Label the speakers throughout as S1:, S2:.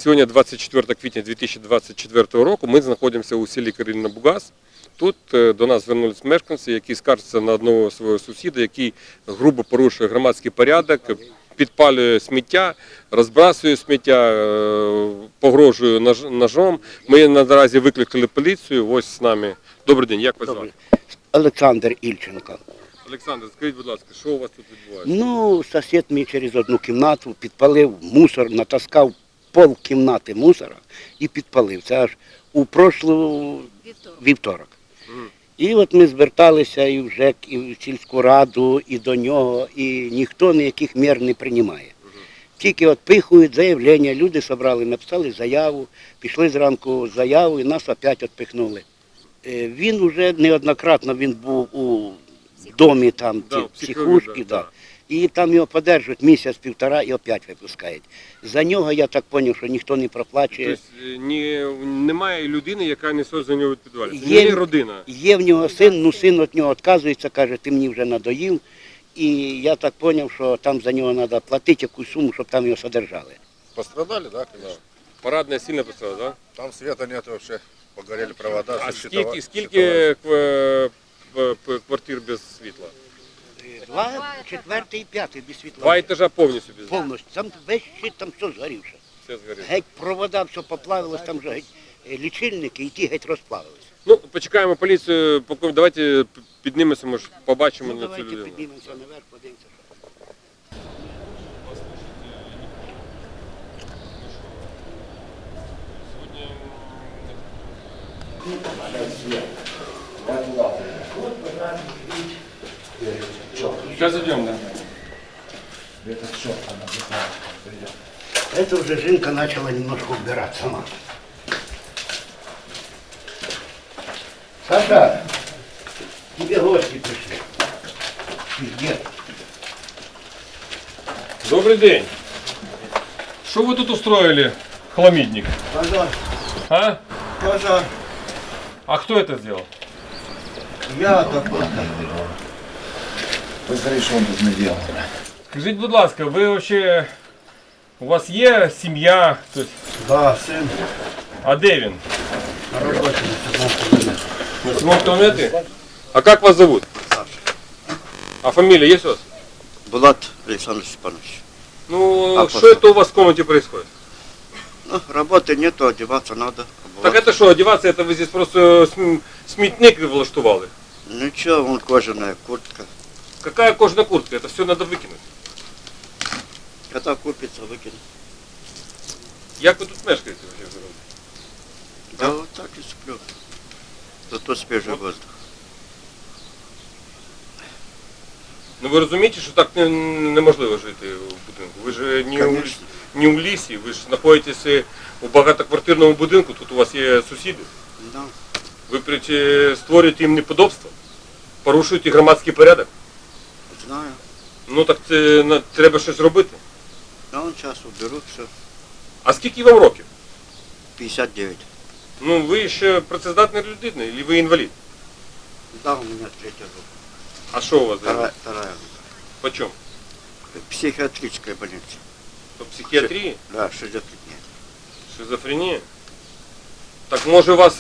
S1: Сьогодні 24 квітня 2024 року. Ми знаходимося у селі Кареліна-Бугас. Тут до нас звернулись мешканці, які скаржаться на одного свого сусіда, який грубо порушує громадський порядок, підпалює сміття, розбрасує сміття, погрожує ножом. Ми наразі викликали поліцію. Ось з нами. Добрий день, як вас звати?
S2: Олександр Ільченко.
S1: Олександр, скажіть, будь ласка, що у вас тут відбувається?
S2: Ну, сусід мій через одну кімнату підпалив мусор, натаскав пол кімнати мусора і підпалив. Це аж у прошлий вівторок. І от ми зверталися і в ЖЕК, і в сільську раду, і до нього, і ніхто ніяких мір не приймає. Тільки от пихують заявлення, люди зібрали, написали заяву, пішли зранку заяву і нас опять відпихнули. Він вже неоднократно був у домі там, психушки, да. І там його подержують місяць-півтора і опять випускають. За нього, я так зрозумів, що ніхто не проплачує.
S1: Тобто немає людини, яка несе за нього відповідальність? Є родина?
S2: Є в нього син, ну син від нього відказується, каже, ти мені вже надоїв. І я так зрозумів, що там за нього треба платити якусь суму, щоб там його содержали.
S3: Пострадали, да, конечно?
S1: Парадная сильно пострадала, да?
S3: Там света нет вообще, погорели провода.
S1: А скільки квартир без світла?
S2: 2, 4 і 5 без світла.
S1: 2 етажа повністю без світла?
S2: Повністю. Там весь щит, там все згорівше.
S1: Все згоріло.
S2: Геть провода, все поплавилось, там вже геть лічильники і ті геть розплавилися.
S1: Ну, почекаємо поліцію, давайте піднімемося, може, побачимо на цю
S2: Давайте
S1: людину.
S2: піднімемося наверх, подивимося.
S1: Сейчас идем, да.
S2: Это уже Жинка начала немножко убирать сама. Саша, тебе гости пришли. Где?
S1: Добрый день. Что вы тут устроили, хламидник?
S2: Пожар.
S1: А?
S2: Пожар.
S1: А кто это сделал?
S2: Я такой.
S4: Посмотри, що він тут не делал.
S1: Скажіть, будь ласка, ви вообще, у вас є сім'я?
S2: Да, сын.
S1: А де він?
S2: На работе на 17 километров.
S1: На 7 километре? А как вас зовут? А фамилия есть у вас?
S5: Булат Александр Степанович.
S1: Ну,
S5: А
S1: что это у вас в комнате происходит?
S5: Ну, работы нету, одеваться надо.
S1: Так это что, одеваться, это вы здесь просто смітник влаштували?
S5: Ничего, вон кожаная куртка.
S1: Какая кожаная куртка? Это все надо выкинуть.
S5: Когда купится, выкинуть.
S1: Як ви тут мешкаєте вообще?
S5: Да вот так и сплю. Зато свежий воздух.
S1: Ну ви розумієте, що так неможливо жити в будинку. Ви ж не у лісі, ви ж знаходитесь у багатоквартирному будинку, тут у вас є сусіди.
S5: Да.
S1: Ви створюєте їм неподобство, порушуєте громадський порядок.
S5: Знаю.
S1: Ну так це треба щось робити.
S5: Да, он сейчас уберу, все.
S1: А скільки вам років?
S5: 59.
S1: Ну ви ще працездатна людина, або ви інвалід?
S5: Да, у меня третья группа.
S1: А що у вас?
S5: Вторая группа.
S1: Почем?
S5: Психиатрическая больница.
S1: По психіатрії?
S5: Да, шизофрения.
S1: Шизофренія? Так може вас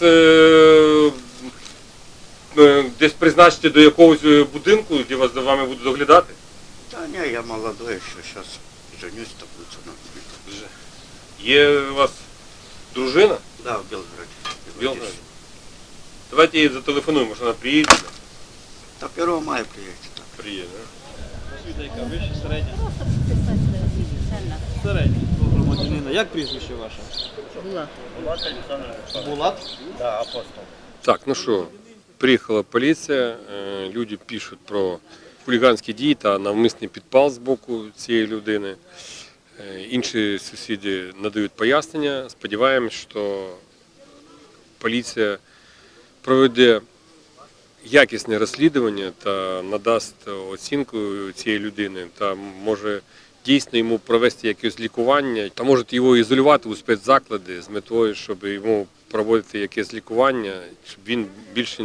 S1: десь призначити до якогось будинку, де вас за вами будуть доглядати?
S5: Да не, я молодой еще, сейчас женюсь, то будет со мной.
S1: Є у вас дружина?
S5: Да, в Белгороде.
S1: В Білгороді? Давайте їй зателефонуємо, може вона приїде.
S5: До 1 мая приедете.
S1: Приїде, да?
S6: Яка вище, середня? Середня. Громадянина. Як прізвище ваше? Булат.
S1: Так, ну що, приїхала поліція, люди пишуть про хуліганські дії та навмисний підпал з боку цієї людини. Інші сусіди надають пояснення. Сподіваємось, що поліція проведе якісне розслідування та надасть оцінку цієї людини та може дійсно йому провести якесь лікування та може його ізолювати у спецзаклади з метою, щоб йому проводити якесь лікування, щоб він більше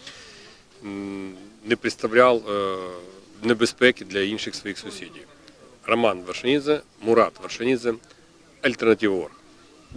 S1: не представляв небезпеки для інших своїх сусідів. Роман Вершинідзе, Мурат Вершинідзе, Альтернатива.орг.